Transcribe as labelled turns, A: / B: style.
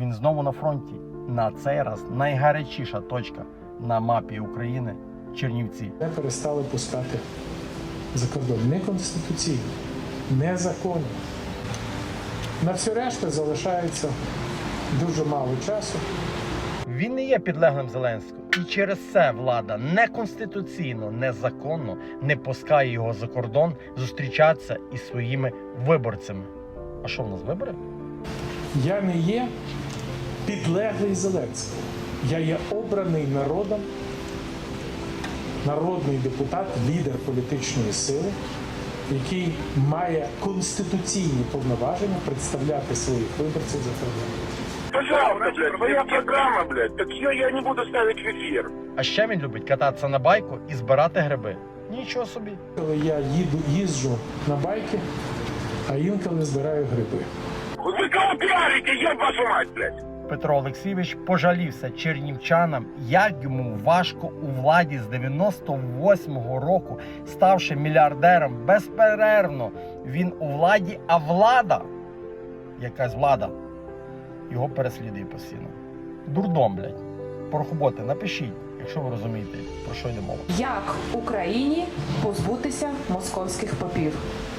A: Він знову на фронті. На цей раз найгарячіша точка на мапі України – Чернівці.
B: Не перестали пускати за кордон. Неконституційно, незаконно. На всю решту залишається дуже мало часу.
A: Він не є підлеглим Зеленського. І через це влада неконституційно, незаконно не пускає його за кордон зустрічатися із своїми виборцями. А що в нас, вибори?
B: Я не є підлеглий Зеленського. Я є обраний народом, народний депутат, лідер політичної сили, який має конституційні повноваження представляти своїх виборців за кордоном.
C: Пожалуйста, блядь, твоя программа, блядь, так ее я не буду ставить в эфир.
A: А ще він любить кататися на байку і збирати гриби. Нічого собі.
B: Коли я їжджу на байки, а інколи збираю гриби.
C: Вы кого пиарите, еб вашу мать, блядь?
A: Петро Олексійович пожалівся чернівчанам, як йому важко у владі з 98-го року, ставши мільярдером безперервно. Він у владі, а влада, якась влада, його переслідує постійно. Дурдом, блядь. Порохоботи, напишіть, якщо ви розумієте, про що йде мова.
D: Як Україні позбутися московських попів?